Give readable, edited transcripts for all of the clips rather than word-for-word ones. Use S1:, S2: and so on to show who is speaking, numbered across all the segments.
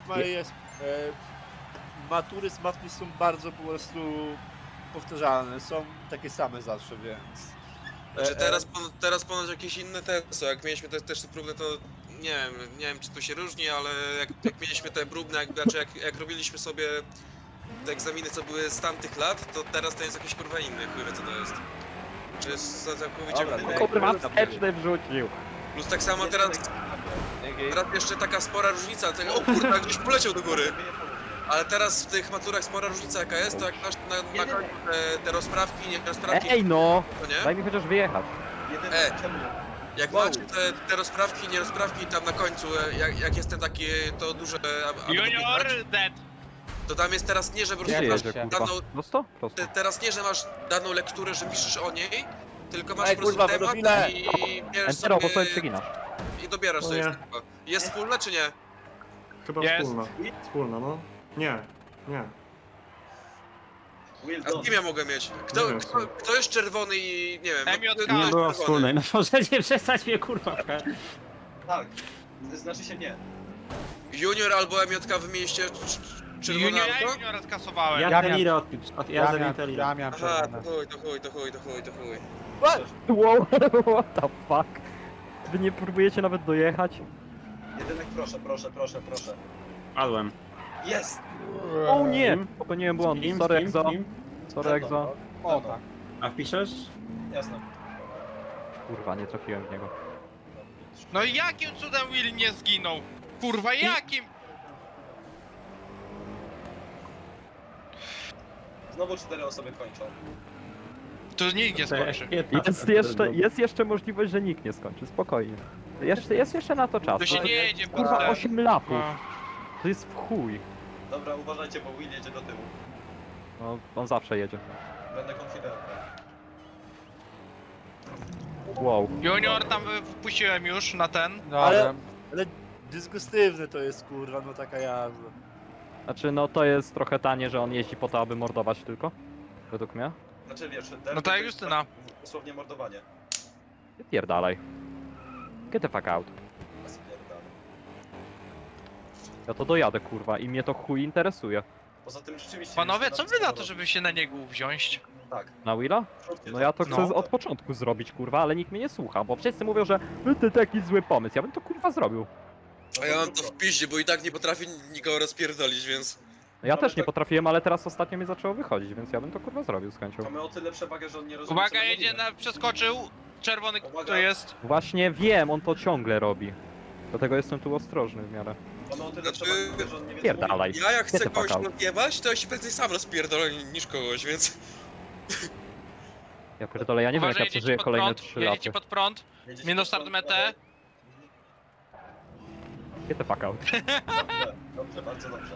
S1: jest... Matury z matmy są bardzo po prostu powtarzalne, są takie same zawsze, więc...
S2: Znaczy teraz ponoć jakieś inne te są, jak mieliśmy te testy próbne, to nie wiem czy to się różni, ale jak mieliśmy te próbne, jak robiliśmy sobie te egzaminy, co były z tamtych lat, to teraz to jest jakieś kurwa inne, chuj wie co to jest. Czy jest całkowicie
S1: Dobra,
S2: inne.
S3: Kurwa, wsteczny wrzucił.
S2: Plus tak samo teraz jeszcze taka spora różnica, tego, o kurwa, gdzieś poleciał do góry. Ale teraz w tych maturach spora różnica jaka jest, to jak masz na końcu te rozprawki, nie rozprawki,
S3: Ej no!
S2: to nie?
S3: Daj mi chociaż wyjechać.
S2: Jak macie te rozprawki, nie rozprawki tam na końcu, jak jest ten taki, to duże...
S4: Junior dead.
S2: To tam jest teraz nie, że po
S3: Gdzie
S2: prostu masz
S3: jedzie, kurwa?
S2: daną...
S3: Prosto? Prosto.
S2: Teraz nie, że masz daną lekturę, że piszesz o niej, tylko masz
S1: Ej,
S2: po prostu
S1: kurwa,
S2: temat
S1: pedofile!
S2: i bierzesz
S3: Entero, bo sobie
S2: sobie
S3: przeginasz.
S2: i dobierasz
S5: No
S2: sobie
S5: nie.
S2: wszystko. Jest wspólne czy nie?
S5: Chyba
S4: Jest.
S5: wspólna. Wspólna, no. Nie.
S2: A z kim ja mogę mieć?
S5: Nie wiem,
S2: Kto jest czerwony i nie wiem, no,
S4: MJK.
S2: kto
S4: Nie
S2: jest
S6: było
S2: czerwony?
S6: wspólnej, no możecie przestać mnie kurwa pchać.
S7: Tak, znaczy się nie.
S2: Junior albo MJK wymieniliście czerwone
S4: Junior,
S2: auto?
S4: juniora skasowałem.
S6: Ja Telirę ja zabiję Telirę.
S2: Aha, to chuj.
S3: Wow, what the fuck? Wy nie próbujecie nawet dojechać?
S7: Jedynek proszę.
S6: Padłem.
S7: Jest!
S3: O nie! Popełniłem błąd.
S6: Z kim?
S3: Sorry
S6: Z kim?
S3: Exo.
S6: Z kim?
S3: Sorry Exo.
S7: O tak.
S6: A wpiszesz?
S7: Jasne.
S3: Kurwa, nie trafiłem w niego.
S4: No i jakim cudem Will nie zginął? Kurwa, jakim?
S7: Znowu 4 osoby kończą.
S4: To nikt nie skończy.
S3: Jest jeszcze możliwość, że nikt nie skończy, spokojnie. Jest jeszcze na to czas.
S4: To się nie jedzie
S3: Kurwa,
S4: potem.
S3: 8 lapów.
S4: No.
S3: To jest w chuj.
S7: Dobra, uważajcie, bo Will jedzie do tyłu.
S3: No, on zawsze jedzie.
S7: Będę konfidentem.
S3: Wow.
S4: Junior tam wpuściłem już na ten.
S1: Ale dysgustywne to jest, kurwa, no taka jazda.
S3: Znaczy, no to jest trochę tanie, że on jeździ po to, aby mordować tylko. Według mnie.
S7: Znaczy wiesz,
S4: No tak jak Justyna.
S7: Dosłownie mordowanie.
S3: Pierdalaj. Get the fuck out.
S7: A spierdalę.
S3: Ja to dojadę, kurwa, i mnie to chuj interesuje.
S7: Poza tym rzeczywiście...
S4: Panowie,
S7: Justyna
S4: co wy na to,
S7: wszystko
S4: żeby się na niego wziąć?
S7: Tak.
S3: Na Willa?
S7: Róbcie
S3: No ja to
S4: No.
S3: chcę od początku zrobić, kurwa, ale nikt mnie nie słucha, bo wszyscy mówią, że to taki zły pomysł. Ja bym to, kurwa, zrobił.
S2: A ja mam to w piździe, bo i tak nie potrafię nikogo rozpierdolić, więc...
S3: No ja
S7: Mamy
S3: też nie
S7: tak-
S3: potrafiłem, ale teraz ostatnio mi zaczęło wychodzić, więc ja bym to, kurwa, zrobił z chęcią.
S7: Mamy o tyle przewagę, że on nie rozumie, co
S4: Uwaga,
S7: my
S4: jedzie
S7: robimy.
S4: przeskoczył. Czerwony
S7: Uwaga.
S4: kto jest?
S3: Właśnie wiem, on to ciągle robi. Dlatego jestem tu ostrożny w miarę.
S7: Mamy o tyle
S2: Znaczy-
S7: przewagę, że on nie wie, co
S3: Pierdalaj.
S2: Ja jak chcę
S3: Get the fuck
S2: kogoś
S3: out.
S2: rozjebać, to ja się prędzej sam rozpierdolę niż kogoś, więc...
S3: Ja pierdolę, ja nie wiem jak ja
S4: Uważaj,
S3: przeżyję
S4: jedziecie pod
S3: kolejne
S4: prąd.
S3: 3
S4: Jedziecie
S3: lata.
S4: pod prąd.
S7: mówi. Jedziecie
S4: Minus
S7: pod
S4: start
S7: prąd,
S4: metę.
S3: Get the fuck out.
S7: Dobrze, bardzo dobrze.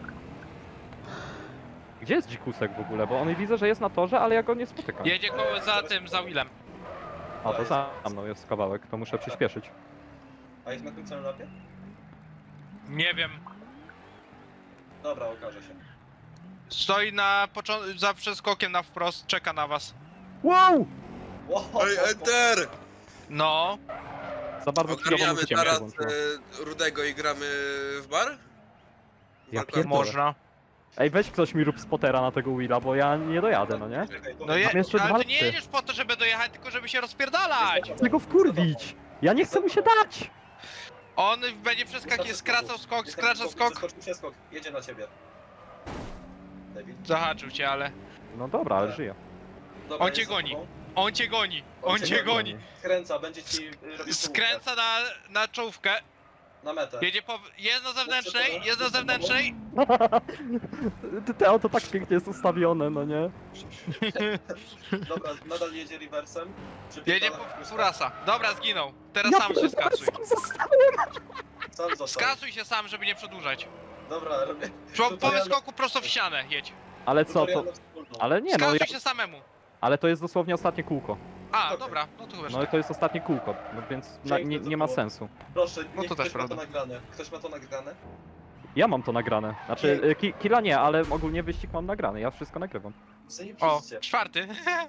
S3: Gdzie jest dzikusek w ogóle? Bo on widzę, że jest na torze, ale ja go nie spotykam.
S4: Jedzie za tym, za Willem.
S3: A to za mną jest kawałek, to muszę przyspieszyć.
S7: A jest na tym samym lapie?
S4: Nie wiem.
S7: Dobra, okaże się.
S4: Stoi za przeskokiem na wprost, czeka na was.
S3: Wow!
S7: Wow,
S2: Ej, enter!
S4: No.
S3: Za bardzo chwilową
S2: Ogarniamy
S3: muzykę mi się
S2: teraz
S3: włączyło.
S2: Rudego i gramy w bar?
S3: Ja
S2: Walka-
S3: pierdolę.
S4: Można.
S3: Ej, weź ktoś mi rób spotera na tego Willa, bo ja nie dojadę, no nie?
S7: Czekaj,
S4: No
S7: powiem-
S4: je,
S3: Mam jeszcze
S4: ale
S3: dwa
S4: ty nie
S3: laty.
S4: jedziesz po to, żeby dojechać, tylko żeby się rozpierdalać.
S3: Chcę go wkurwić! Ja nie chcę mu się dać!
S4: On będzie skracał skok, skraca skok.
S7: Zeskoczył przeskok, jedzie na ciebie. David.
S4: Zahaczył cię, ale...
S3: No dobra, ale żyję.
S7: Dobra,
S4: On cię
S7: jest za
S4: goni.
S7: tobą.
S4: On cię goni. On cię goni.
S7: Skręca, będzie ci robił
S4: Skręca na czołówkę.
S7: na metę.
S4: Jedzie po... Jest na zewnętrznej, jest na zewnętrznej.
S3: Te auto tak pięknie jest ustawione, no nie?
S7: Dobra, nadal jedzie reversem.
S4: Jedzie po Furasa. Dobra, zginął. Teraz sam się
S3: pierdolę,
S4: skasuj.
S3: sam zostałem!
S7: Sam został.
S4: Skasuj się sam, żeby nie przedłużać.
S7: Dobra, robię.
S4: Po wyskoku prosto w ścianę jedź.
S3: Ale co to?
S7: tutorial na wspólną.
S3: Ale nie no,
S4: Skasuj
S3: ja...
S4: się samemu.
S3: ale to jest dosłownie ostatnie kółko.
S4: A,
S7: Okej.
S4: dobra, no to chyba
S3: No i to jest ostatnie kółko, no więc nie ma sensu.
S7: Proszę,
S4: No
S7: niech
S4: to też
S7: ktoś ma to
S4: prawda.
S7: nagrane. Ktoś ma to nagrane?
S3: Ja mam to nagrane. Znaczy, killa nie, ale ogólnie wyścig mam nagrany, ja wszystko nagrywam.
S4: O,
S7: Zajebiście.
S4: 4.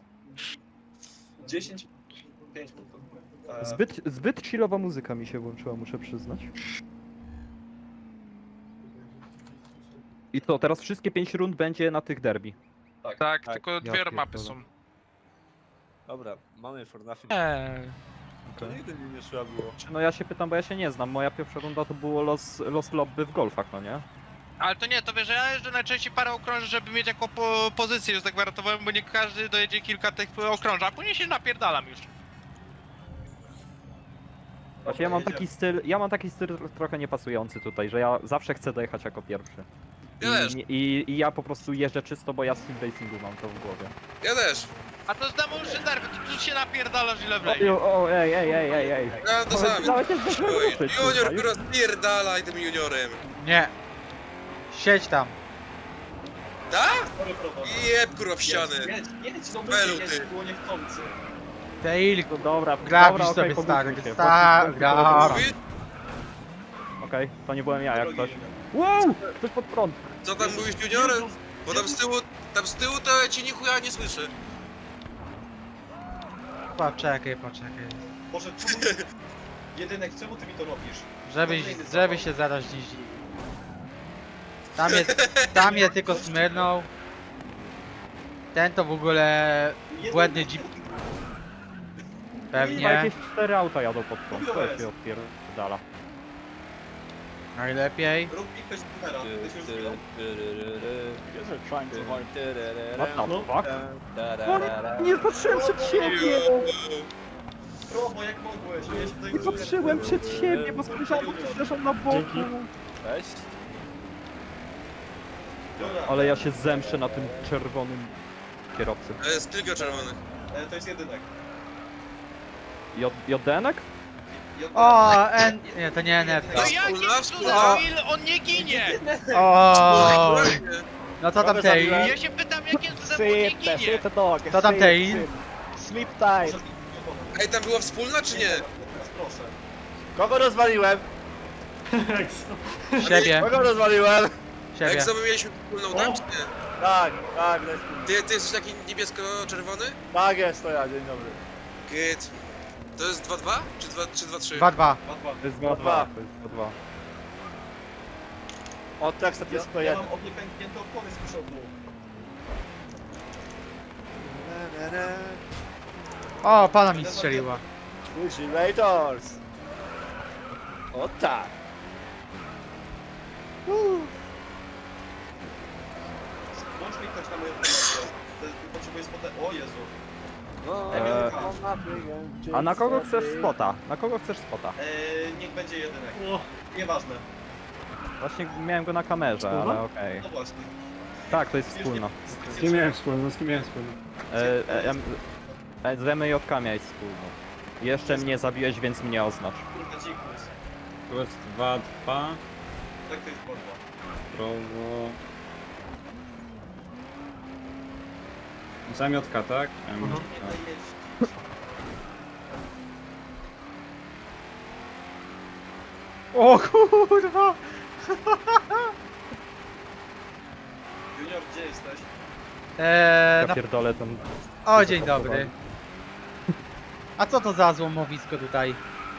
S7: 10, 5 punktów.
S3: Zbyt chillowa muzyka mi się włączyła, muszę przyznać. I to teraz wszystkie 5 rund będzie na tych derby.
S4: Tak,
S1: Tak,
S4: tylko
S3: ja
S4: dwie mapy
S3: pierdolę.
S4: są.
S1: Dobra, mamy for nothing. To nigdy mi nie trzeba było.
S3: No ja się pytam, bo ja się nie znam. Moja pierwsza runda to było los lobby w golfach, no nie?
S4: Ale to nie, to wiesz, że ja jeżdżę najczęściej parę okrążeń, żeby mieć jako pozycję już zagwarantowałem, bo nie każdy dojedzie kilka tych okrążeń, a później się napierdalam już.
S3: Właśnie ja mam taki styl trochę niepasujący tutaj, że ja zawsze chcę dojechać jako pierwszy.
S2: Ja też.
S3: I ja po prostu jeżdżę czysto, bo ja z sim racingu mam to w głowie.
S2: Ja też.
S4: A to z Demolition Derby, ty tu się napierdalasz ile
S3: O,
S4: wleje.
S3: ej.
S2: Ja to sam.
S3: Nawet nie zdążyłem
S2: Oj,
S3: ruszyć,
S2: Junior,
S3: kurwa,
S2: kurwa, spierdalaj tym juniorem.
S8: Nie. Siedź tam.
S2: Tak?
S7: Sorry, prowadź.
S2: Jeb, kurwa, w ściany.
S7: Jedź, no
S2: Belu,
S7: jedź,
S2: ty.
S7: było niechcący.
S8: Tail.
S3: No dobra,
S8: Grabisz
S3: dobra,
S8: sobie,
S3: okej,
S8: stary,
S3: pogubił się,
S8: gra.
S2: Mówi?
S3: Okej, to nie byłem ja jak
S7: Drogi
S3: coś.
S7: junior.
S3: Wow! Ktoś pod prąd.
S2: Co tam mówisz juniorem? Bo tam z tyłu to ja cię nichuja nie słyszę.
S8: Poczekaj.
S7: Boże, czemu... Jedynek, czemu ty mi to robisz?
S8: Żeby się zaraz nie zdziwił. Tam je tylko smyrnął. Ten to w ogóle błędny jeep.
S3: Chyba
S8: Pewnie.
S3: jakieś 4 auta jadą pod prąd.
S7: Mówię,
S3: To się odpierdala.
S8: Najlepiej.
S7: Rób mi ktoś numera, ktoś już zginął.
S3: What the
S5: No.
S3: fuck? Nie patrzyłem przed siebie!
S7: Probo, jak mogłeś? Ja się tutaj
S3: Nie patrzyłem przed siebie, bo spojrzałem, bo ktoś leżał na boku.
S5: Dzięki.
S1: Cześć.
S7: Dobra,
S3: Ale ja się zemszę na tym czerwonym kierowcy.
S2: Jest kilka czerwonych.
S7: to jest jedynek.
S3: Jodenek?
S8: O, nie, to nie
S4: No
S8: NFT.
S4: jakim
S2: Wspólna.
S4: cudem Will, on nie ginie?
S8: O,
S2: Właśnie.
S8: no co tam
S1: Kogo
S8: Tail?
S1: zabiłem?
S4: Ja się pytam, jakim cudem on nie ginie?
S8: Co tam Tail?
S7: Proszę,
S2: Ej, tam była wspólna czy nie?
S7: teraz proszę.
S1: Kogo rozwaliłem?
S8: Siebie,
S1: Kogo rozwaliłem?
S8: siebie.
S2: Jak sobie mieliśmy wspólną tam czy nie?
S1: Tak,
S2: Ty jesteś taki niebiesko-czerwony?
S1: tak jest to ja, dzień dobry.
S2: Git. To jest 2-2? Czy 2-3?
S8: 2-2.
S7: 2-2.
S3: To jest 2-2.
S1: Dwa.
S3: To jest 2-2.
S1: O, tak, to jest
S7: Ja
S1: P1.
S7: mam od niej pęknięte opony z przodu.
S8: O, pana mi strzeliła.
S1: Vigilators! O tak!
S7: Włącz mi ktoś na moją promocję. Potrzebuję spotę... O Jezu.
S1: No,
S3: A na kogo chcesz spota? Na kogo chcesz spota?
S7: Niech będzie jedynek.
S5: O,
S7: Nieważne.
S3: Właśnie miałem go na kamerze, ale okej.
S7: No właśnie.
S3: Tak, to jest wspólna.
S5: z kim miałem wspólną, z kim miałem wspólną?
S3: Z MJK miałeś wspólną. Jeszcze mnie zabiłeś, więc mnie oznacz.
S7: Kurde, dzikus.
S6: Tu jest 2-2.
S7: Tak to jest borba.
S6: Prawo. Zamiotka, tak?
S7: Nie daj jeść.
S8: O kurwa!
S7: Junior, gdzie jesteś?
S3: Ja
S8: Na...
S3: pierdolę ten...
S8: O, dzień dobry. A co to za złomowisko tutaj?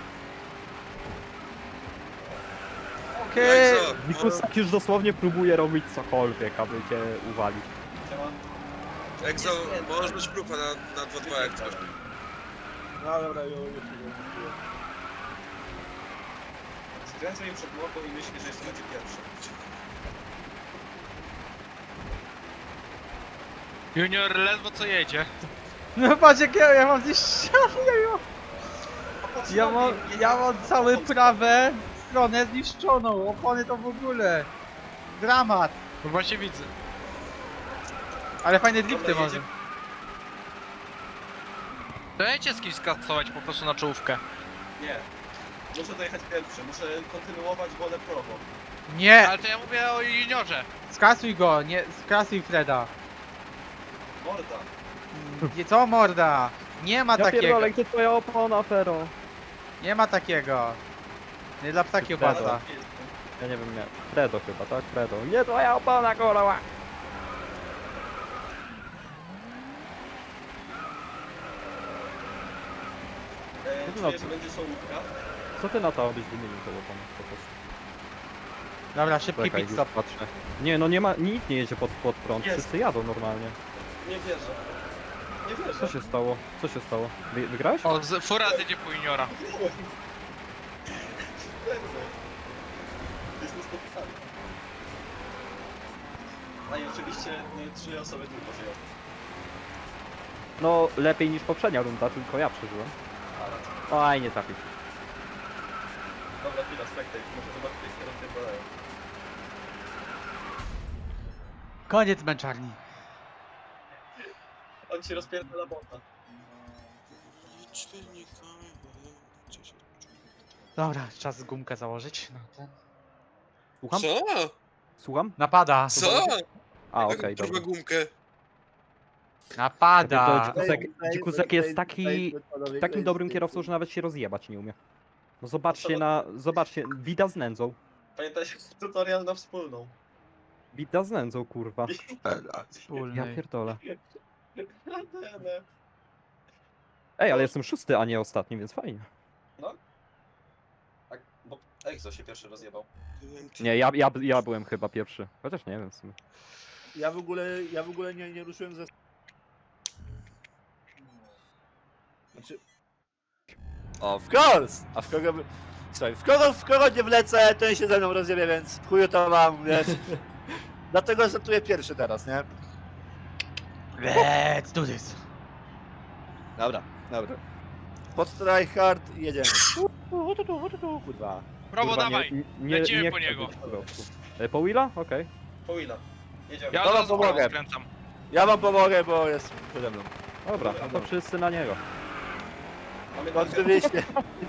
S8: Okej.
S2: Jak co?
S3: Wikusak już dosłownie próbuje robić cokolwiek, aby cię uwalić.
S7: Siema.
S2: Exo, możesz być grupa na 2-2 jak coś.
S1: No dobra, już.
S7: Skręcę im przed mordą i myślę, że jeszcze będzie pierwszy.
S4: Junior ledwo co jedzie.
S8: No patrz jak ja mam gdzieś
S7: Popatrz
S8: ja
S7: na
S8: mam,
S7: mnie,
S8: ja mam całe prawe stronę zniszczoną, opony to w ogóle. Dramat.
S4: No właśnie widzę.
S8: Ale fajne drifty
S7: Dobra,
S8: może.
S7: jedzie.
S4: Dajcie z kimś skasować po prostu na czołówkę.
S7: Nie. Muszę dojechać pierwszy, muszę kontynuować wolę prowo.
S8: Nie,
S4: Ale to ja mówię o juniorze.
S8: skasuj go, nie, skasuj Freda.
S7: Morda.
S8: Nie, co morda? Nie ma
S3: Ja
S8: takiego,
S3: pierdolę, gdzie twoja opona, Fero?
S8: nie ma takiego. Nie dla ptaki
S3: Fredo.
S8: opłata.
S3: Ja nie wiem, nie. Fredo chyba, tak? Fredo. Nie twoja opona, kurwa!
S7: Czuję, że będzie sołówka.
S3: Co ty na to, abyś wymienił tą oponę po prostu?
S8: Dobra, szybki
S3: Czekaj,
S8: pit
S3: już
S8: stop.
S3: patrzę. Nie, no nie ma, nikt nie jedzie pod prąd,
S7: Jest.
S3: wszyscy jadą normalnie.
S7: Nie wierzę. Nie wierzę.
S3: Co się stało? Co się stało? Wygrałeś?
S4: O, fura jedzie po juniora.
S7: Wygrałem. Pewnie. To jest niespotykane. A i oczywiście 3 osoby tylko żyją.
S3: No, lepiej niż poprzednia runda, tylko ja przeżyłem.
S7: Ale...
S3: Oj, nie trafił.
S7: Dobra, chwila, spectate. Może zobaczyć, jak się rozpierdalają.
S8: Koniec męczarni.
S7: On się rozpierdala bota.
S8: Dobra, czas gumkę założyć. No, ten.
S3: Słucham?
S2: Co?
S3: Słucham?
S8: Napada.
S2: Co?
S3: A,
S2: Jaką
S3: okej,
S2: kurwa
S3: dobra.
S2: gumkę?
S8: Napada.
S3: Dzikusek jest takim dobrym kierowcą, że nawet się rozjebać nie umie. No zobaczcie, bida z nędzą.
S7: Pamiętajcie, tutorial na wspólną.
S3: Bida z nędzą, kurwa. Ja
S8: Wspólny.
S3: pierdolę. Ej, ale jestem 6, a nie ostatni, więc fajnie.
S7: Tak, bo Exo się pierwszy rozjebał.
S3: Nie, ja byłem chyba pierwszy. Chociaż nie wiem w sumie.
S1: Ja w ogóle nie ruszyłem ze... Znaczy... O, of course! A w kogo... Słuchaj, w kogo nie wlecę, ten się ze mną rozjebie, więc chuju to mam, wiesz. Dlatego startuję pierwszy teraz, nie?
S8: Let's do this.
S1: Dobra. Pod tryhard i jedziemy. Kurwa.
S4: Brawo,
S3: Kurwa,
S4: dawaj.
S3: Nie
S4: Lecimy po
S3: chcę
S4: niego.
S3: być w środku. Po Willa? Okej.
S7: Po Willa. Jedziemy.
S4: Ja
S1: Dobra,
S4: od razu
S1: pomogę.
S4: prawo skręcam.
S1: Ja wam pomogę, bo jest przede mną.
S3: Dobra, no to wszyscy na niego.
S7: Mamy
S1: No oczywiście.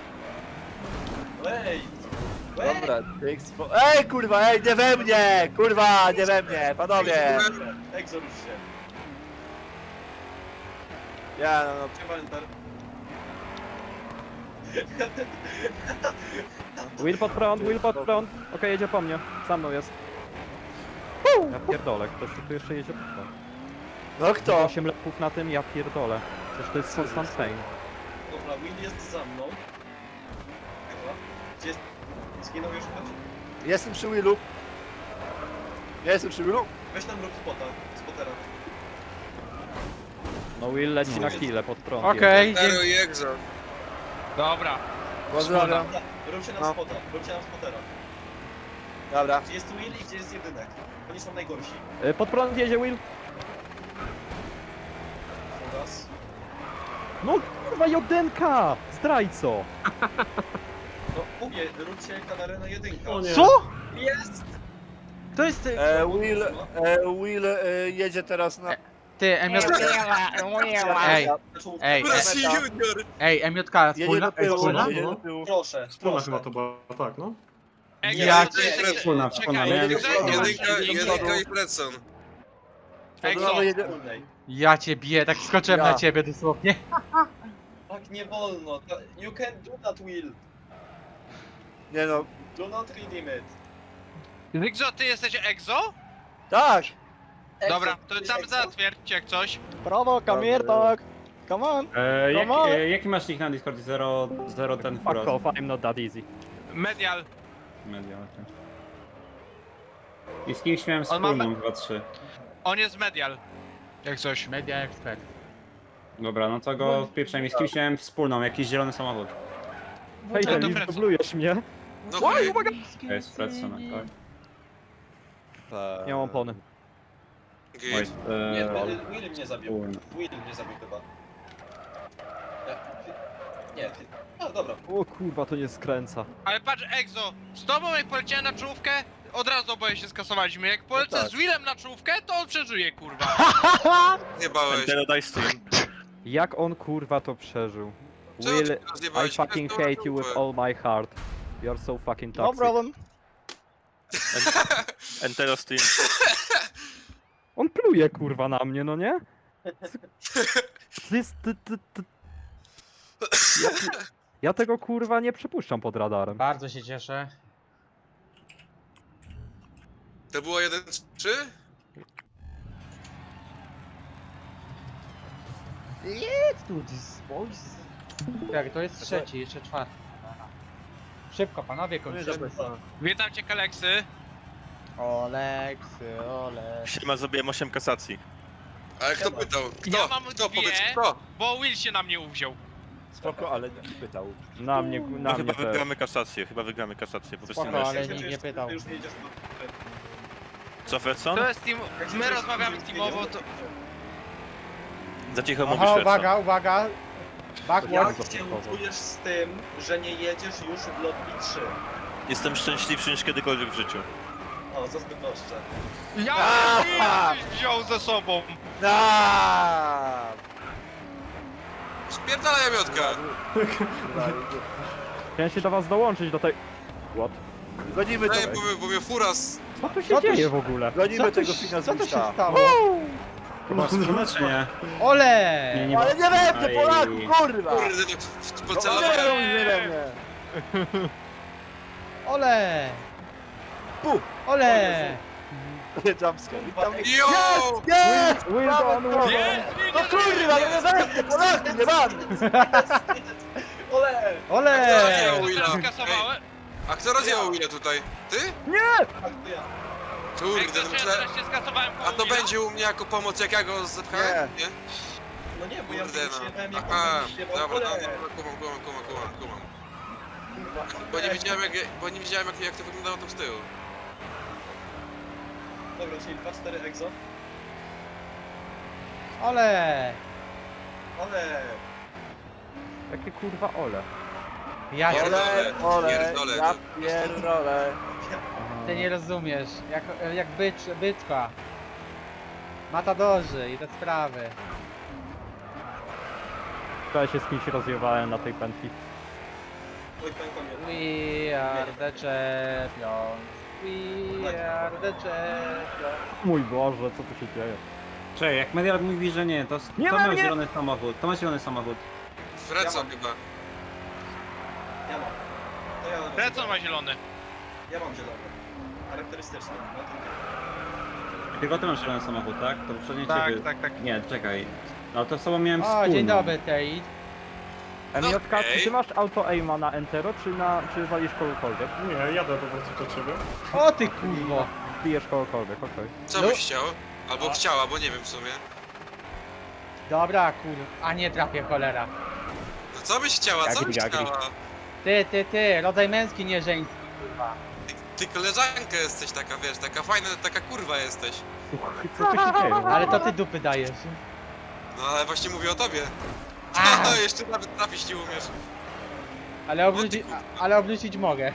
S7: Ej!
S1: Dobra, ej kurwa, ej, nie we mnie! Kurwa, nie we mnie, panowie!
S7: Exo rusz się.
S1: Ja, no,
S7: Gdzie Walter?
S3: Will pod prąd. Okej, jedzie po mnie. Za mną jest. Ja pierdolę, ktoś tu jeszcze jedzie pod prąd.
S1: no kto?
S3: 8 lepów na tym, ja pierdolę. Przecież to jest constant pain.
S7: Dobra, Will jest za mną. Chyba. Gdzie jest? Zginął już ktoś?
S1: Jestem przy Willu. Ja jestem przy Willu.
S7: Weź nam rób spotera.
S3: No Will leci na kile pod prąd.
S8: Okej,
S2: Tero i Exo.
S4: Dobra.
S1: Pozdrawiam.
S7: Róbcie nam
S1: No.
S7: spota, róbcie nam spotera.
S1: Dobra.
S7: Gdzie jest Will i gdzie jest jedynek? Oni są najgorsi.
S3: Pod prąd jedzie Will.
S7: Raz.
S3: No kurwa, Jodenka! Zdrajco!
S7: No mówię, róbcie kanarę na jedynkę.
S5: O nie.
S8: Co?
S7: Jest!
S8: To jest
S1: Will jedzie teraz na...
S8: ty, MJ... Ej, ej,
S2: Rosji Junior!
S8: MJK,
S1: Jedzie
S8: wspólna?
S1: do tyłu,
S8: Wspólna?
S1: jedzie do tyłu.
S7: Proszę,
S5: Wspólna
S7: proszę.
S5: chyba to była, tak, no.
S4: Ej,
S8: Ja
S4: to jest
S2: cię-
S4: jakiś-
S6: Wspólna,
S4: czekaj,
S6: wspólna,
S4: ej,
S6: nie?
S2: Jedynka i Fredson.
S1: Exo.
S7: Wspólnej.
S8: Ja cię biję, tak skoczyłem
S1: Ja.
S8: na ciebie dosłownie.
S7: Tak nie wolno. You can do that, Will.
S1: Nie no,
S7: Do not redeem it.
S4: Exo, ty jesteś Exo?
S1: tak!
S4: Dobra, to tam zatwierdźcie jak coś.
S9: Brawo, come here, dog. Come on.
S6: Jaki masz nick na Discordzie? 0 ten
S3: Fuck off, I'm not that easy.
S4: Medial.
S6: Media, okej. I z kimś miałem
S4: On ma-
S6: wspólną 2-3.
S4: On jest medial. Jak coś.
S8: Media expert.
S6: Dobra, no to go wpieprzaj. Z kimś miałem wspólną, jakiś zielony samochód.
S3: Hej,
S4: to
S3: ten
S4: Fredson.
S3: dublujesz mnie.
S2: No chuj.
S6: To jest Fredson, tak?
S3: Nie mam opony.
S6: Oj,
S2: Git.
S7: Nie, Will mnie zabił.
S6: wspólna.
S7: Will mnie zabił chyba. Nie, ty... A, dobra.
S3: O kurwa, to nie skręca.
S4: Ale patrz, Exo, z tobą jak poleciałem na czołówkę, od razu oboje się skasowaliśmy. Jak polecę
S1: tak.
S4: z Willem na czołówkę, to on przeżyje, kurwa.
S2: Nie bałeś.
S3: Jak on kurwa to przeżył?
S2: Czemu
S3: Will,
S2: ty
S3: I
S2: rozjebałeś?
S3: fucking hate you with all my heart. You're so fucking
S9: No
S3: toxic.
S9: problem.
S3: On pluje kurwa na mnie, no nie? To jest... Ja tego kurwa nie przypuszczam pod radarem.
S8: Bardzo się cieszę.
S2: To było 1-3?
S8: Let's do this, boys. Tak, to jest trzeci, jeszcze czwarty. Szybko, panowie, kończymy.
S4: Witam cię, Kaleksy.
S8: Oleksy, Olek.
S10: Siema, zrobiłem 8 kasacji.
S2: Ale kto pytał? Kto?
S4: Ja mam
S2: Kto?
S4: dwie.
S2: Powiedz kto?
S4: Bo Will się na mnie uwziął.
S1: Spoko, ale nikt nie pytał.
S3: Na mnie,
S10: No
S3: na
S10: chyba
S3: mnie też.
S10: wygramy kasację, chyba wygramy kasację. Po prostu
S8: Spoko,
S10: na
S8: ale
S10: siebie.
S8: nikt nie pytał.
S7: Ty już nie jedziesz do...
S10: Co, Fredson?
S4: To jest team...
S7: Jak się
S4: My
S7: już
S4: rozmawiamy
S7: nie
S4: teamowo,
S7: jedziesz,
S4: to...
S10: Za cicho mówisz,
S8: Aha,
S10: Fredson.
S8: uwaga, uwaga.
S7: Jak
S8: Backwards.
S7: się czujesz z tym, że nie jedziesz już w lobby 3?
S10: Jestem szczęśliwszy niż kiedykolwiek w życiu.
S7: O, zazdroszczę.
S4: Ja byś wziął ze sobą.
S2: Spierdala jamiotka!
S3: Chciałem się do was dołączyć do tej... What?
S1: Gonimy,
S2: Ej,
S1: to,
S2: bo mnie furas...
S3: Co tu się
S8: Co tu
S3: dzieje
S8: się-
S3: w ogóle?
S1: gonimy tego
S8: się-
S1: fina z
S8: co to się
S1: Wista.
S8: stało?
S6: Chyba wspólne czy nie?
S8: Ole!
S3: Nie, nie ma.
S1: Ale nie wepnę
S6: Aj.
S1: Polaku, kurwa!
S2: Kurde, tak
S1: No,
S2: pocelowałem.
S1: nie we mnie.
S8: Ole!
S1: Pu!
S8: Ole!
S1: Jumpscare. Witam.
S2: Yo!
S1: Jest!
S3: Wilson, Wilson!
S1: No kurwa, no nie we mnie, Polaku, nie mam!
S7: Ole!
S8: Ole!
S2: rozjechał Willa?
S4: Skasowałem.
S2: A kto rozjechał Willa tutaj? Ty?
S7: Tak, to ja.
S2: Kurde,
S4: Jak
S2: no
S4: też
S2: myślę...
S4: wreszcie skasowałem
S2: A to
S4: Willa.
S2: będzie u mnie jako pomoc, jak ja go zepchałem? Nie?
S7: No nie, bo ja
S2: Kurde no.
S7: śpiewałem jak
S2: Aha,
S7: on śpiewał.
S2: dobra,
S7: Ole!
S2: no, kumam.
S7: Kurwa,
S2: Bo nie
S7: ole.
S2: wiedziałem jak to wyglądało tam z tyłu.
S7: Dobra, czyli 2-4 exo.
S8: Ole!
S7: Ole!
S3: Jakie kurwa ole?
S8: Ja się...
S1: Ole, ole,
S2: Pierdolę,
S1: ja
S2: to-
S1: pierdolę.
S8: Ty nie rozumiesz. Jak byczka. Matadorzy i te sprawy.
S3: Wczoraj się z kimś rozjewałem na tej pętli.
S7: Oj, pękam
S8: We are the champions. We are the champions.
S3: Mój Boże, co tu się dzieje?
S6: Czekaj, jak Medial mówi, że nie, to
S3: Nie
S6: kto
S3: we
S6: miał
S3: mnie!
S6: zielony samochód? Kto ma zielony samochód?
S2: Fredson chyba.
S7: Ja mam. To ja mam.
S4: Redson ma zielony.
S7: Ja mam zielony. Charakterystyczny. No to
S6: Tylko ty masz zielony samochód, tak? To poprzednie
S4: Tak,
S6: ciebie...
S4: tak.
S6: Nie, czekaj. No to z sobą miałem
S8: O,
S6: wspólną.
S8: dzień dobry, Tej.
S3: MJK,
S2: Okej.
S3: czy ty masz auto aima na Entero, czy walisz kogokolwiek?
S5: Nie, jadę po prostu do ciebie.
S8: O ty kurwo.
S3: Bijesz kogokolwiek, okej.
S2: Co
S8: No.
S2: byś chciał? Albo chciała, bo nie wiem w sumie.
S8: Dobra, kurwa. A nie trafię, cholera.
S2: No co byś chciała? Co byś
S3: Jagri.
S2: chciała?
S8: Ty, rodzaj męski, nie żeński, kurwa.
S2: Ty koleżanka jesteś taka, wiesz, taka fajna, taka kurwa jesteś.
S3: Co tu się dzieje?
S8: Ale to ty dupy dajesz.
S2: No ale właśnie mówię o tobie.
S8: A,
S2: Jeszcze nawet trafić nie umiesz.
S8: ale obrócić mogę.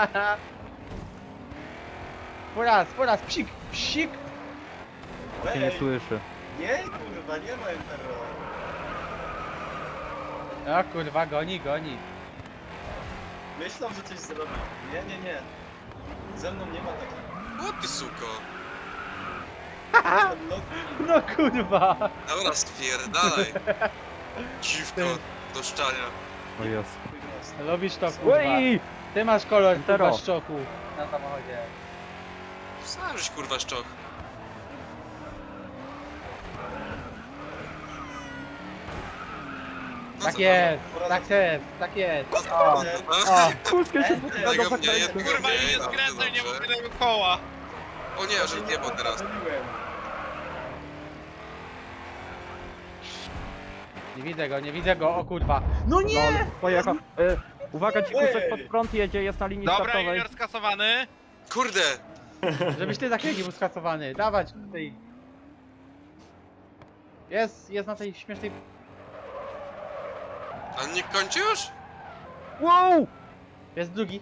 S8: Po raz, psik, psik.
S3: Cię nie słyszy.
S7: Nie, kurwa, nie ma Entero.
S8: O kurwa, goni.
S7: Myślą, że coś zrobi. Nie. Ze mną nie ma takich.
S2: O ty suko.
S8: No kurwa.
S2: Dobra, spierdalaj. Dziwko do szczania.
S3: O jest.
S8: Lubisz to, kurwa.
S3: Ui!
S8: Ty masz kolor,
S3: Entero.
S8: kurwa, szczoku na samochodzie.
S2: Sam żeś kurwa szczoch. No
S8: Tak
S2: co,
S8: jest, tak jest. O,
S2: no?
S8: o.
S3: Kuskę się
S2: Jednego mnie, jednego
S4: Kurwa,
S2: mnie,
S4: nie
S2: dobrze,
S4: skręcaj, nie
S2: dobrze.
S4: mogę tego koła.
S2: O nie, że nie, bo teraz.
S8: Nie widzę go, o kurwa. No nie!
S3: Lol, pojechał. Uwaga, dzikusek pod prąd jedzie, jest na linii
S4: Dobra,
S3: startowej.
S4: junior skasowany.
S2: Kurde!
S8: Żebyś ty zakręcił był skasowany. Dawać tej. Jest na tej śmiesznej.
S2: A nie kończy już?
S3: Wow!
S8: Jest drugi.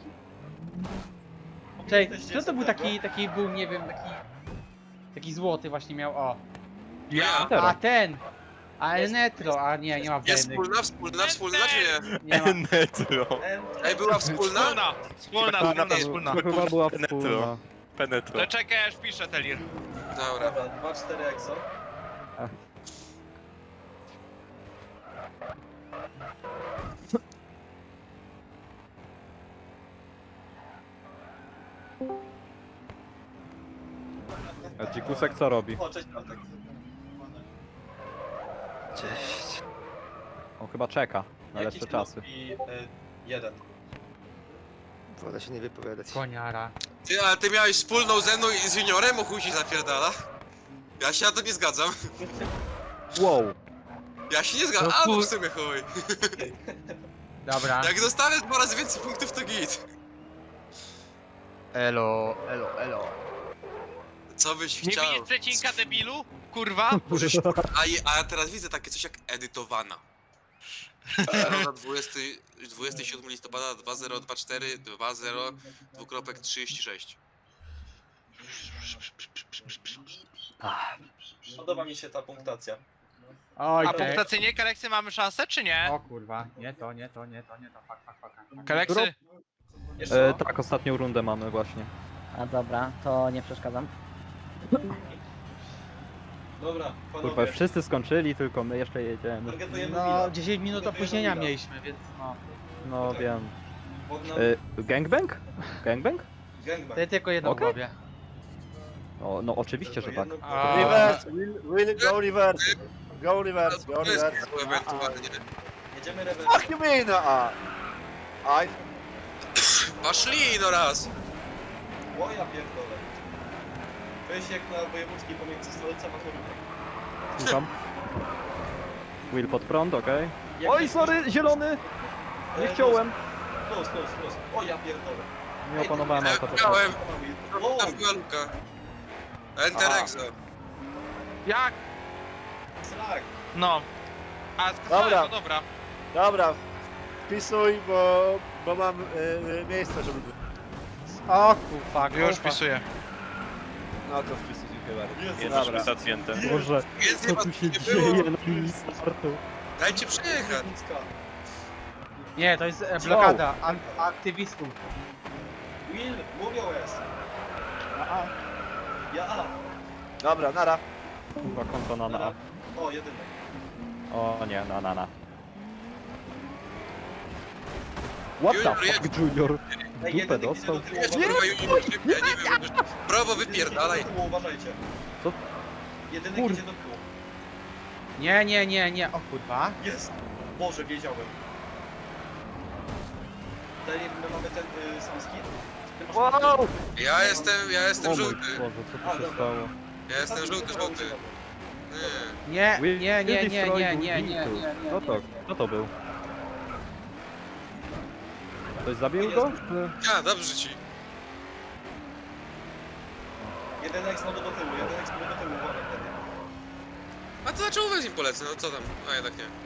S8: Czekaj, kto to był taki był, nie wiem, taki złoty właśnie miał, o.
S2: Ja.
S3: Entero.
S8: A ten! A Enetro, a nie ma
S2: Jest
S8: wzajemnych.
S2: wspólna czy nie?
S8: Nie ma.
S10: Penetro.
S2: Ej, była wspólna?
S4: Wspólna.
S3: To chyba była
S10: Penetro.
S3: wspólna.
S10: Penetro.
S4: To czekaj, aż piszę, Telir.
S2: Dobra.
S7: Dobra, 2-4 exo.
S3: A dzikusek co robi?
S7: O, cześć Bartek.
S3: On chyba czeka na
S7: Jakiś
S3: lepsze czasy.
S7: lobby, 1.
S1: Wolę się nie wypowiadać.
S8: Koniara.
S2: Ty, ale ty miałeś wspólną ze mną i z juniorem, o chuj ci zapierdala? Ja się na to nie zgadzam.
S3: Wow.
S2: Ja się nie zgadzam, a no w sumie chuj.
S8: Dobra.
S2: Jak dostanę 2 razy więcej punktów, to git.
S8: Elo, elo, elo.
S2: Co byś
S4: Nie
S2: chciał?
S4: widzisz przecinka, debilu? Kurwa.
S2: Możesz... A ja teraz widzę takie coś jak edytowana. Środa 27 listopada 2024 20 2.36.
S7: Podoba mi się ta punktacja.
S8: Oj,
S4: A
S8: te.
S4: punktacyjnie Kaleksy mamy szansę, czy nie?
S8: O kurwa, nie to, nie to, nie to, nie to, fuck.
S4: Kaleksy?
S7: Jeszcze raz.
S3: Tak, ostatnią rundę mamy właśnie.
S9: A dobra, to nie przeszkadzam.
S7: Dobra,
S3: Kurwa,
S7: panowie.
S3: wszyscy skończyli, tylko my jeszcze jedziemy.
S7: Targetujemy
S8: No,
S7: Willa.
S8: 10 minut
S7: Targetujemy
S8: opóźnienia
S7: Willa.
S8: mieliśmy, więc no.
S3: No
S7: tak.
S3: wiem.
S7: Pod nam
S3: Gangbang? Gangbang?
S7: gangbang.
S8: Ty tylko jedno
S3: Okej.
S8: w głowie.
S3: O, no oczywiście, że tak.
S4: A-
S1: Reverse, will go reverse. Go reverse, go
S2: To jest
S1: reverse.
S2: ewentualnie.
S7: Jedziemy rewers.
S1: Fuck you mean, I...
S2: Poszli no raz.
S7: O ja pierdolę. Weź jak na wojewódzki pomiędzy stolicą a Toruniem.
S3: Słucham. Will pod prąd, okej.
S7: Jak
S3: Oj,
S7: jest-
S3: sorry, zielony! Nie chciałem.
S7: Plus. O ja pierdolę.
S3: Nie opanowałem
S2: Ja
S3: auta.
S2: miałem.
S7: O,
S2: Tam była luka. Enter
S3: Aha.
S2: exo.
S4: Jak?
S7: srak.
S4: No. A skasowałem,
S1: Dobra.
S4: no dobra.
S1: Dobra, wpisuj, bo mam miejsce, żeby...
S8: O kurwa,
S4: Już wpisuję.
S1: No to wpisuj, dziękuję bardzo.
S10: Jesteśmy
S1: Dobra.
S10: sacjentem.
S3: Boże,
S2: Więcej
S3: co
S2: was
S3: tu się
S2: nie było.
S3: dzieje na linii startu?
S2: Dajcie przejechać.
S7: Nicka.
S8: Nie, to jest blokada aktywistów.
S7: Will, mówią jest. Ja.
S1: Dobra, nara.
S3: Kurwa, konto na na.
S7: O, jedynek.
S3: O nie, na. What the fuck, Junior? W
S7: Ej,
S3: dupę
S7: jedynek
S3: dostał?
S7: idzie do tyłu,
S2: Jest kurwa junior, ja nie wiem. Prawo wypierdalaj.
S7: Idzie do tyłu, uważajcie.
S3: Co?
S7: Jedynek
S3: Kur-
S7: idzie do tyłu.
S8: Nie, o kurwa.
S7: Jest! Boże, wiedziałem. Tutaj my mamy ten sam skin. Ty masz
S3: Wow!
S2: Ja jestem
S3: O mój
S2: żółty.
S3: Boże, co tu się stało?
S2: Ja jestem żółty.
S3: Will
S2: Nie.
S8: Nie.
S3: Kto to był? Ktoś zabił go? Czy...
S2: Ja, dobrze ci.
S7: Jedynek znowu do tyłu, uważaj wtedy.
S2: A to dlaczego wy z nim polecę? No co tam? A jednak nie.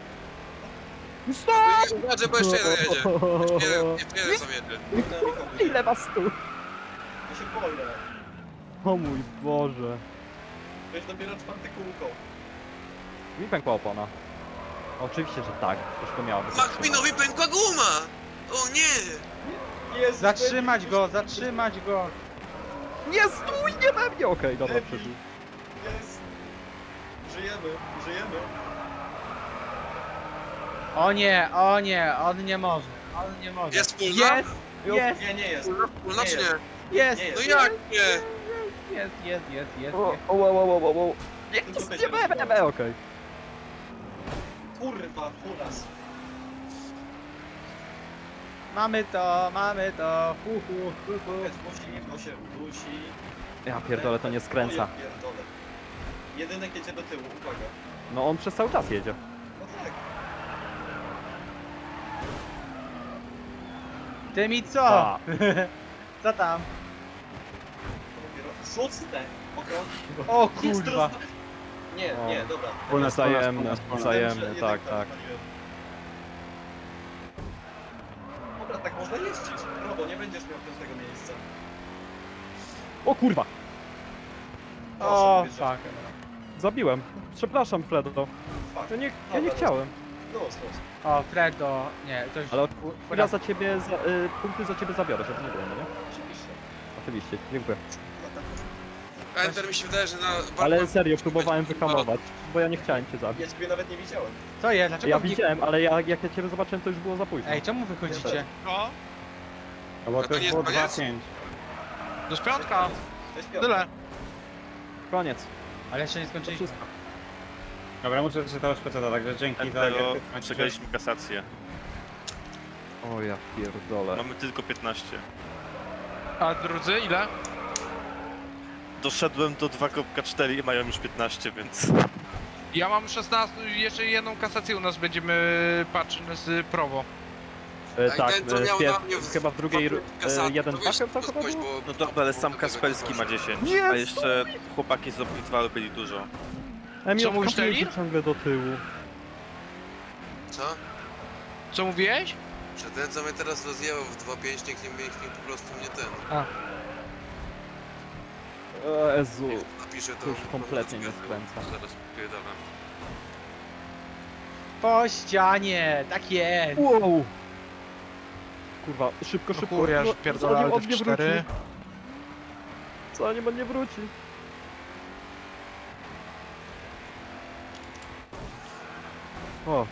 S3: Stop!
S2: Zobaczę, bo jeszcze jeden jedzie. Jeszcze jeden tam jedzie.
S3: Ile was tu?
S7: Ja się boję.
S3: O mój Boże.
S7: To jest dopiero 4 kółko.
S3: Mi pękła opona. Oczywiście, że tak. Już to miało być.
S2: Macminowi pękła guma! O nie!
S7: Jest!
S8: Zatrzymać go.
S3: Nie stój, nie we mnie! Okej, dobra, przeżył.
S7: Jest! Żyjemy.
S8: O nie, on nie może.
S2: Jest wspólna?
S8: Jest.
S7: Nie jest.
S2: Wspólna czy nie?
S8: Jest.
S2: No jak nie?
S8: Jest.
S3: O.
S7: Tylko
S3: Nie we mnie, okej.
S7: Kurwa, furas.
S8: Mamy to.
S7: To się udusi.
S3: Ja pierdolę, to nie skręca.
S7: O, ja pierdolę. Jedynek jedzie do tyłu, uwaga.
S3: No on przez cały czas jedzie.
S7: No tak.
S8: Ty mi co?
S3: A,
S8: Co tam?
S7: Dopiero 6. Okrąg.
S8: O
S7: Jest
S8: kurwa.
S7: rozda- Nie, dobra.
S3: wzajemne,
S7: Wiem,
S3: wzajemne,
S7: że
S3: tak,
S7: jednak
S3: tak.
S7: paliłem. Dobra, tak można jeździć. Robo, nie będziesz miał tego miejsca.
S3: O kurwa!
S8: O
S7: Proszę,
S8: fuck.
S3: Zabiłem. Przepraszam, Fredo.
S7: Fuck.
S3: Ja nie chciałem.
S7: Los.
S8: O, Fredo. Nie, to już...
S3: Ale
S8: u-
S3: ja za ciebie, punkty za ciebie zabiorę, żeby nie było, no nie?
S7: Oczywiście.
S3: Oczywiście, dziękuję.
S2: Enter mi się wydaje, że na...
S3: Ale serio, próbowałem wyhamować, bo ja nie chciałem cię zabić.
S7: Ja ciebie nawet nie widziałem.
S8: Co jest? Dlaczego
S3: Ja
S8: mnie-
S3: widziałem, ale jak ja ciebie zobaczyłem, to już było za późno.
S8: Ej, czemu wychodzicie?
S4: No.
S6: No bo
S2: to
S6: to
S2: nie
S6: już było
S2: jest koniec?
S6: 2-5.
S4: To jest piątka.
S7: To jest piątek.
S4: Tyle.
S3: Koniec.
S8: Ale jeszcze nie
S3: To
S8: skończyliśmy.
S3: wszystko.
S6: Dobra, muszę przeczytać specjata, także dzięki za...
S10: Dlatego przegraliśmy kasację.
S3: O ja pierdolę.
S10: Mamy tylko 15.
S4: A drudzy ile?
S10: Doszedłem do 2.4 i mają już 15, więc...
S4: Ja mam 16, jeszcze jedną kasację u nas będziemy patrzeć z Prowo.
S3: Tak,
S2: ten, co miał na mnie
S3: chyba w drugiej
S2: kasaty,
S3: jeden
S2: to wiesz,
S3: chyba
S2: to
S3: chyba
S2: ktoś,
S3: było?
S2: bo-
S10: No dobra, ale sam Kasperski ma 10,
S3: Nie,
S10: a jeszcze chłopaki z Opitwalu byli dużo.
S3: Emil,
S4: mówisz,
S3: wkazuje się
S4: Telir?
S3: ciągle do tyłu.
S2: Co?
S4: Co mówiłeś?
S2: Że ten, co mnie teraz rozjechał w 2.5, niech po prostu mnie ten.
S3: Jezu,
S2: Napiszę to.
S3: to już kompletnie nie skręca.
S2: Zaraz pierdalam.
S8: Po ścianie, tak jest.
S3: Wow! Kurwa, szybko,
S4: No
S3: szybko.
S4: chuj, ja już
S3: no,
S4: pierdolę
S3: zanim on
S4: te
S3: nie
S4: 4.
S3: wróci. Zanim on nie wróci. O.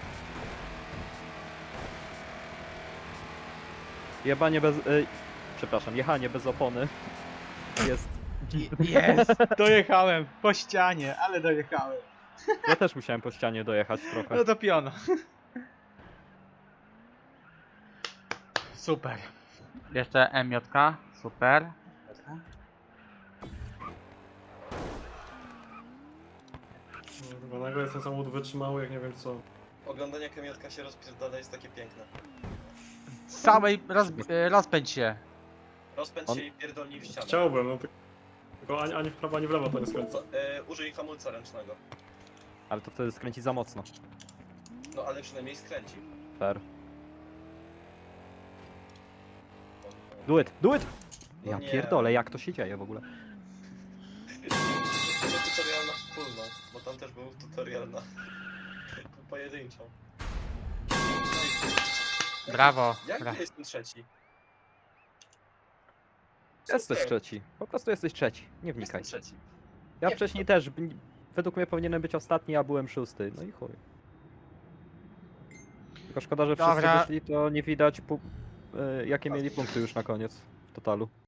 S3: Jebanie bez... przepraszam, jechanie bez opony. Jest...
S8: Jest, dojechałem. Po ścianie, ale dojechałem.
S3: Ja też musiałem po ścianie dojechać trochę.
S8: No to piono. Super. Jeszcze MJ, super.
S5: Kurwa, nagle jest ten samochód wytrzymały, jak nie wiem co.
S7: Oglądanie kamiotka się rozpierdala jest takie piękne.
S8: Z całej rozpędź się.
S7: Rozpędź
S3: On-
S7: się i pierdolnij w ścianę.
S5: Chciałbym, no tylko ani w prawo, ani w lewo to nie skręca.
S7: Użyj hamulca ręcznego.
S3: Ale to wtedy skręci za mocno.
S7: No ale przynajmniej skręci.
S3: Fair. Do it, do it!
S7: No
S3: Ja
S7: nie.
S3: pierdolę, jak to się dzieje w ogóle?
S7: To tutorial na wspólną, bo tam też był tutorial na pojedynczą.
S8: Brawo.
S7: Jak
S8: Bra-
S7: ja jestem trzeci?
S3: Jesteś
S7: Super.
S3: trzeci. Po prostu jesteś trzeci. Nie wnikaj.
S7: Jestem trzeci.
S3: Ja
S7: Nie,
S3: wcześniej też, według mnie powinienem być ostatni, a byłem szósty. No i chuj. Tylko szkoda, że wszyscy
S8: Dobra.
S3: wyszli, to nie widać jakie mieli punkty już na koniec w totalu.